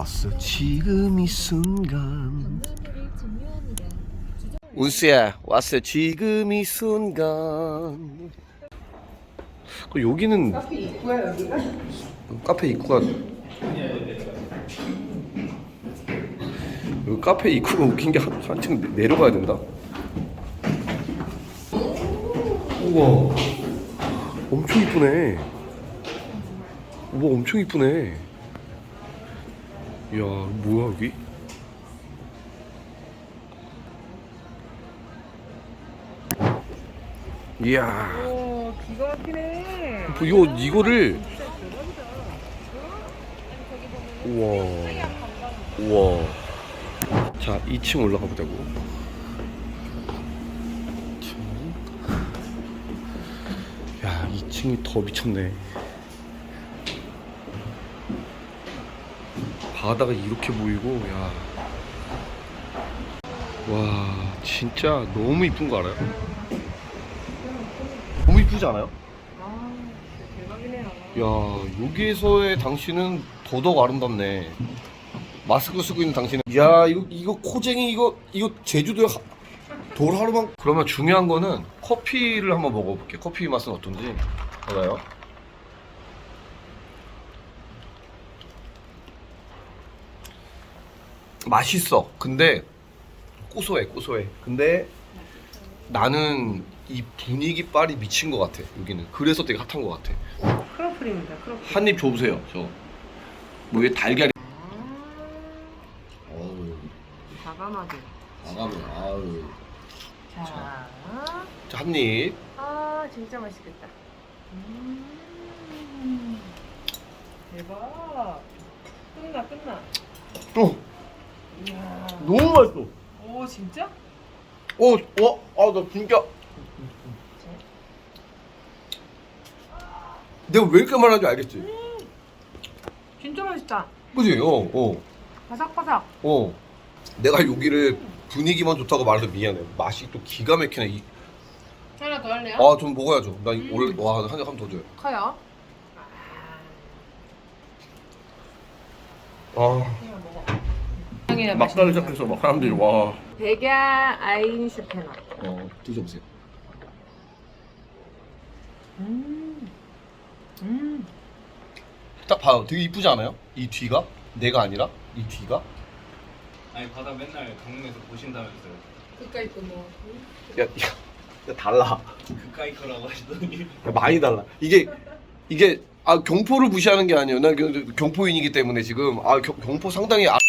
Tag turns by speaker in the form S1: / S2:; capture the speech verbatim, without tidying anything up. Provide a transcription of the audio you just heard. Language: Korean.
S1: 왔어 지금 이 순간. 운수야 왔어 지금 이 순간. 그 여기는
S2: 카페 입구야 여기가?
S1: 카페 입구가 여기 카페 입구가 웃긴 게 한, 한층 내- 내려가야 된다. 우와 엄청 이쁘네. 우와 엄청 이쁘네. 이야 뭐야 여기? 이야
S2: 오 기가 막히네.
S1: 뭐 이거 이거를 우와 우와. 자 이 층 올라가 보자고. 야 이 층이 더 미쳤네. 바다가 이렇게 보이고 야. 와 진짜 너무 이쁜 거 알아요? 너무 이쁘지 않아요?
S2: 아 대박이네요.
S1: 야 여기에서의 당신은 더더욱 아름답네. 마스크 쓰고 있는 당신은 야 이거 이거 코쟁이 이거 이거 제주도에 하, 돌 하루만. 그러면 중요한 거는 커피를 한번 먹어볼게. 커피 맛은 어떤지 알아요? 맛있어. 근데 고소해 고소해. 근데 나는 이 분위기 빨이 미친 것 같아 여기는. 그래서 되게 핫한 것 같아.
S2: 크로플입니다. 크로플.
S1: 한 입 줘보세요. 저 뭐 이게 달걀이. 어우
S2: 과감하게.
S1: 나가면 아유.
S2: 자.
S1: 자, 한 입.
S2: 아 진짜 맛있겠다. 음. 대박. 끝나 끝나.
S1: 어
S2: 이야.
S1: 너무 맛있어.
S2: 오 진짜?
S1: 어, 와, 아, 나 진짜. 내가 왜 이렇게 말하는지 알겠지?
S2: 진짜 맛있다.
S1: 그지? 어, 어,
S2: 바삭바삭.
S1: 어. 내가 여기를 분위기만 좋다고 말해서 미안해. 맛이 또 기가 막히네. 이-
S2: 하나 더 할래요?
S1: 아, 좀 먹어야죠. 나
S2: 음.
S1: 원래 와, 한 잔 한 번 더 줘요.
S2: 커요.
S1: 아,
S2: 그냥 먹어.
S1: 막달을 시작해서 막 사람들이 와.
S2: 백야 아인슈페너.
S1: 어, 드셔보세요.
S2: 음. 음.
S1: 딱 봐요. 되게 이쁘지 않아요? 이 뒤가? 내가 아니라 이 뒤가?
S3: 아니 바다 맨날 강릉에서 보신다면서요.
S2: 그까이 거 뭐.
S1: 야, 야, 야 달라.
S3: 그까이 거라고 하시더니
S1: 야, 많이 달라. 이게 이게 아 경포를 무시하는 게 아니에요. 난 경- 경포인이기 때문에 지금 아 경, 경포 상당히 아,